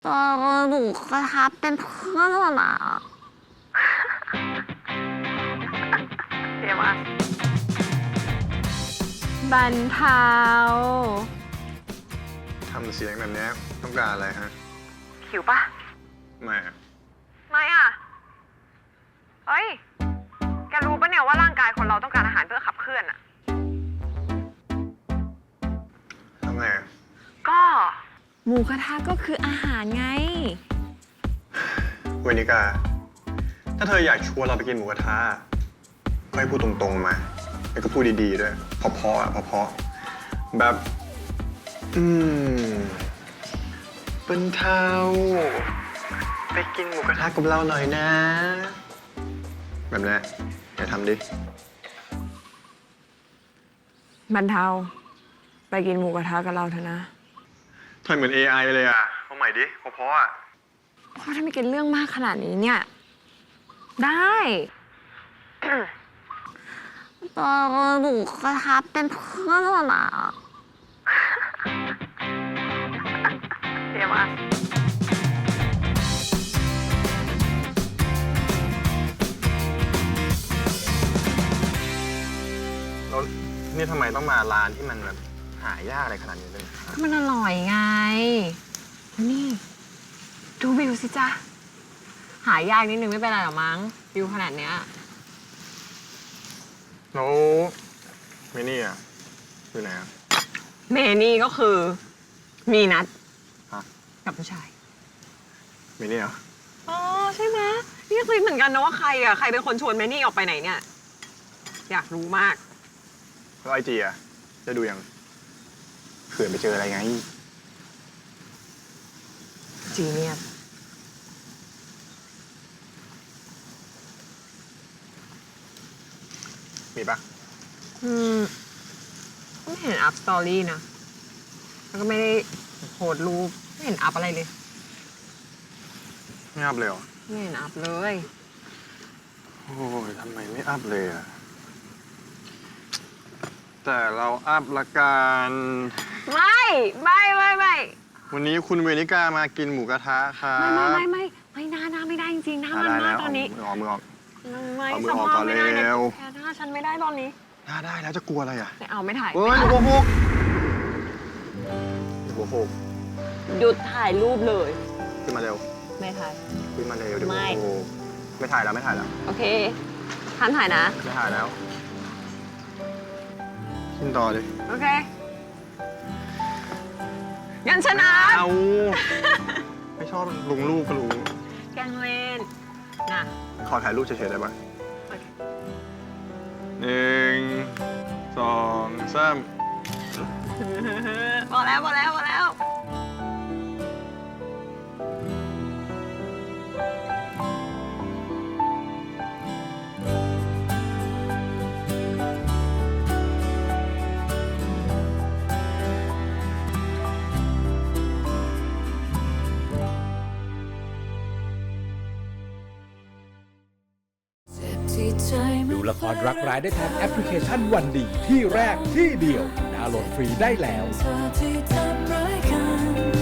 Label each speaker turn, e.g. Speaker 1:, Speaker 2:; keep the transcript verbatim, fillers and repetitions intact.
Speaker 1: เออหนูกระทับเป็นเพื่อนแล้วนะ
Speaker 2: เดี๋ยวมาบรรเทา
Speaker 3: ทำเสียงแบบนี้ต้องการอะไรฮะ
Speaker 2: หิวปะ
Speaker 3: ไม่
Speaker 2: ไม่อ่ะเฮ้ยแกรู้ปะเนี่ยว่าร่างกายคนเราต้องการอาหารเพื่อขับเคลื่อนอะ
Speaker 3: ทำไง
Speaker 2: ก็หมูกระทะก็คืออาหารไง
Speaker 3: เวนิกาถ้าเธออยากชวนเราไปกินหมูกระทะก็ให้พูดตรงๆมาแล้วก็พูดดีๆด้วยเพราะๆอ่ะเพราะๆแบบอืมเป็นเท้าไปกินหมูกระทะกับเราหน่อยนะแบบนี้อย่าทำดิ
Speaker 2: บรรเทาไปกินหมูกระทะกับเราเถอะนะ
Speaker 3: ทำไมเหมือน เอ ไอ เลยอ่ะเอาใหม่ดิเพราะๆอ่ะ
Speaker 2: เพราะถ้าไม่กินเรื่องมากขนาดนี้เนี่ยได้
Speaker 1: เออหนูกระทับเป็นเพื่อนแล้วนะ
Speaker 2: เดี๋ยวมา
Speaker 3: แล้วนี่ทำไมต้องมาร้านที่มันแบบหายากอะไรขนาดนี้ด้วย
Speaker 2: มันอร่อยไงนี่ดูวิวสิจ๊ะหายากนิดนึงไม่เป็นไรหรอมั้งวิวขนาดเนี้ย
Speaker 3: แล้วเมนี่อ่ะอยู่ไหนอ่ะ
Speaker 2: เมนี่ก็คือมีนัดกับผู้ชาย
Speaker 3: เมนี่เหรอ
Speaker 2: อ๋อใช่ไหมนี่ก็คิดเหมือนกันนะว่าใครอ่ะใครเป็นคนชวนเมนี่ออกไปไหนเนี่ยอยากรู้มาก
Speaker 3: แล้วไอจีอ่ะจะดูยังเผื่อไปเจออะไรไง
Speaker 2: จีเนียส
Speaker 3: มีปะ
Speaker 2: อืมไม่เห็นอัพสตอรี่นะแล้วก็ไม่ได้โพสรูปไม่เห็นอัพอะไรเลย
Speaker 3: ไม่อัพเลยเหรอ
Speaker 2: ไม่เห็นอัพเลย
Speaker 3: โอ้ยทำไมไม่อัพเลยอ่ะแต่เราอัพละกัน
Speaker 2: ไม่ไม่ไม่ไม่
Speaker 3: วันนี้คุณเวนิกามากินหมูกระทะครับ
Speaker 2: ไม่ไม่ไม่ไม่น่าน่าไม่ได้จริงๆน่ามันมากตอนนี้
Speaker 3: มือออกมือออก
Speaker 2: ไม่
Speaker 3: เอามือออกก่อนเร็ว
Speaker 2: แค่ถ้าฉันไม่ได้ตอนนี้
Speaker 3: น่าได้แล้วจะกลัวอะไรอ่ะ
Speaker 2: ไม่เอาไม่ถ่าย
Speaker 3: เฮ้ยหัวโขกหัวโขก
Speaker 2: หยุดถ่ายรูปเลย
Speaker 3: ขึ้นมาเร็ว
Speaker 2: ไม่ถ่าย
Speaker 3: ขึ้นมาเร็วเดี๋ยว
Speaker 2: ไม่
Speaker 3: ไม่ถ่ายแล้วไม่ถ่ายแล้ว
Speaker 2: โอเคทันถ่ายนะ
Speaker 3: ไม่ถ่ายแล้วขึ้นต่อดิ
Speaker 2: โอเคงั้นชนะ
Speaker 3: เอาไม่ชอบลงรูปก็รู้
Speaker 2: แกล้งเล่นนะ
Speaker 3: ขอถ่ายรูปเฉยๆได้ไหมหนึ่งสองสาม
Speaker 2: พอแล้วพอแล้วพอแล้ว
Speaker 4: ดูละครรักร้ายได้ทางแอปพลิเคชันวันดีที่แรกที่เดียวดาวน์โหลดฟรีได้แล้ว